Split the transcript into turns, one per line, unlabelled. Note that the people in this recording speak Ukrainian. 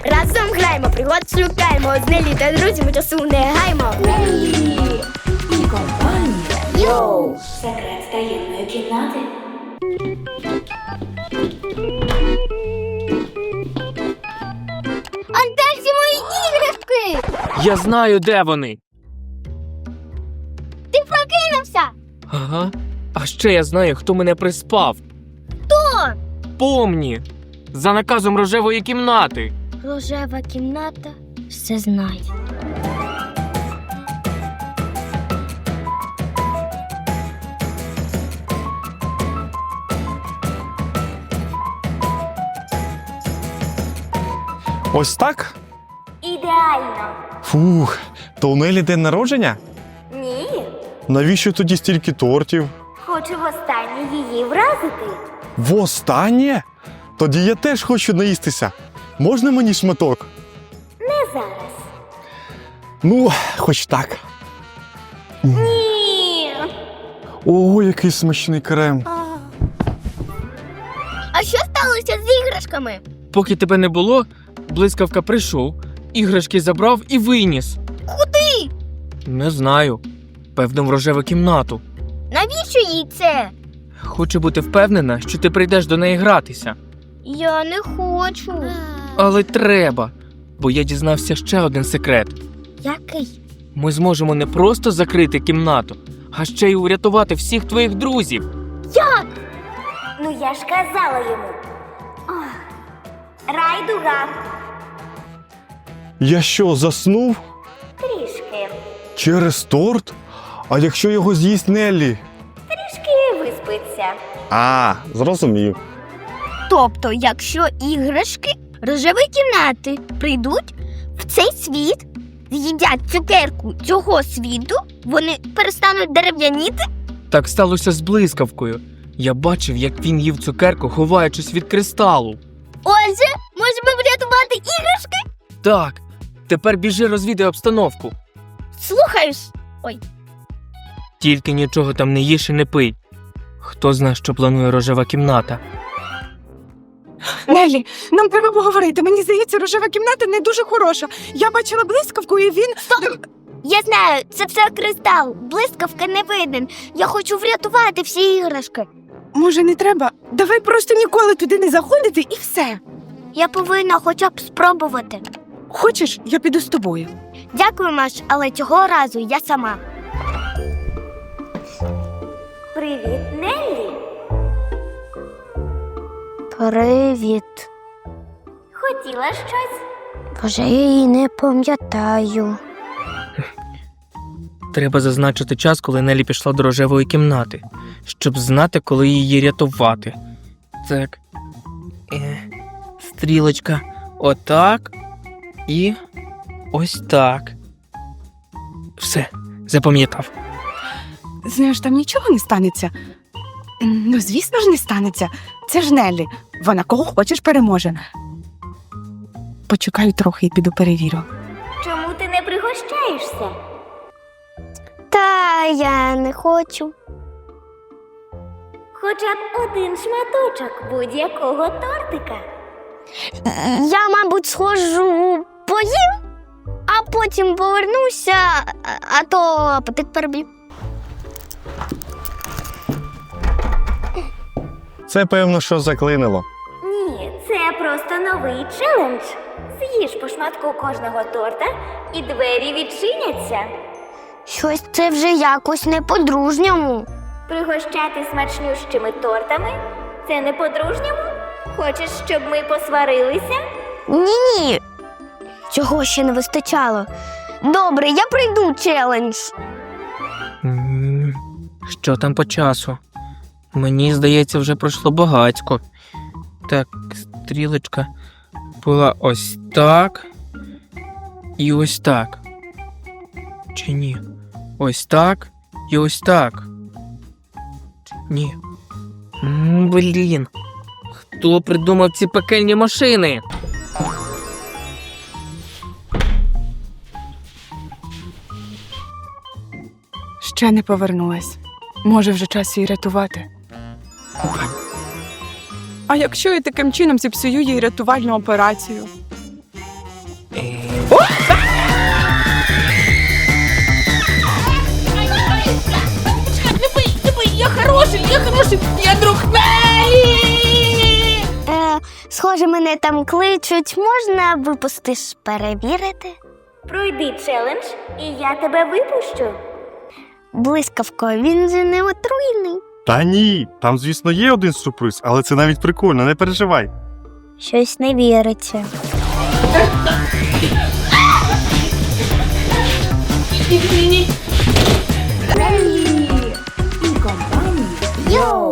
Разом граємо, пригод шукаємо. З Нелі та друзями часу не гаймо.
Нелі і компанія.
Йоу!
Секрет таємної кімнати.
А де всі мої іграшки?
Я знаю, де вони.
Ти прокинувся?
Ага. А ще я знаю, хто мене приспав.
Хто?
Помні. За наказом рожевої кімнати.
Рожева кімната все знає.
Ось так?
Ідеально.
Фух, то у Нелі день народження?
Ні,
Навіщо тоді стільки тортів?
хочу востаннє її вразити.
Востаннє? Тоді я теж хочу наїстися. Можна мені шматок?
Не зараз.
Ну, хоч так.
Ні.
Ого, який смачний крем.
А що сталося з іграшками?
Поки тебе не було, блискавка прийшов, іграшки забрав і виніс.
Куди?
Не знаю. Певно, в рожеву кімнату.
Навіщо їй це?
Хочу бути впевнена, що ти прийдеш до неї гратися.
Я не хочу.
Але треба, бо я дізнався ще один секрет.
Який?
Ми зможемо не просто закрити кімнату, а ще й урятувати всіх твоїх друзів.
Як? Ну я ж казала йому. Райдуга.
Я що, заснув?
Трішки.
Через торт? А якщо його з'їсть Неллі?
Трішки виспиться.
А, зрозумів.
Тобто, якщо іграшки рожевої кімнати прийдуть в цей світ, з'їдять цукерку цього світу, вони перестануть дерев'яніти?
Так сталося з блискавкою. Я бачив, як він їв цукерку, ховаючись від кристалу.
Отже, можемо врятувати іграшки?
Так, тепер біжи розвідай обстановку.
Слухаюсь.
Тільки нічого там не їж і не пий. Хто знає, що планує рожева кімната?
Нелі, нам треба поговорити. Мені здається, рожева кімната не дуже хороша. Я бачила блискавку, і він...
Я знаю, це все кристал. Блискавка не виден. Я хочу врятувати всі іграшки.
Може, не треба? Давай просто ніколи туди не заходити і все.
Я повинна хоча б спробувати.
Хочеш, я піду з тобою.
Дякую, Маш, але цього разу я сама. Привіт, Неллі. Привіт. Хотіла щось? Вже я її не пам'ятаю.
Треба зазначити час, коли Нелі пішла до рожевої кімнати, щоб знати, коли її рятувати. Так. Стрілочка. Отак. І ось так. Все, запам'ятав.
Знаєш, там нічого не станеться. Ну, звісно ж, не станеться. Це ж Неллі. Вона кого хочеш переможе. Почекаю трохи і піду перевірю.
Чому ти не пригощаєшся? Та я не хочу. Хоча б один шматочок будь-якого тортика. Я, мабуть, схожу поїм, а потім повернуся, а то апетит переб'ю.
Це, певно, що заклинило.
Ні, це просто новий челендж. З'їж по шматку кожного торта і двері відчиняться. Щось це вже якось не по-дружньому. Пригощати смачнющими тортами? Це не по-дружньому? Хочеш, щоб ми посварилися? Ні-ні. Цього ще не вистачало. Добре, я пройду челендж.
Що там по часу? Мені здається, вже пройшло багатько. Так, стрілочка була ось так і ось так. Чи ні? Ось так і ось так. Ні. Блін. Хто придумав ці пекельні машини?
Ще не повернулась. Може, вже час її рятувати. А якщо я таким чином зіпсую їй рятувальну операцію? допоможи! Я друг Нелі!
Схоже, мене там кличуть. Можна випустиш перевірити? Пройди челендж, і я тебе випущу. Блискавко, він же не отруйний.
Та ні, там, звісно, є один сюрприз, але це навіть прикольно, не переживай.
Щось не віриться.
Нелі і компанія.
Йоу!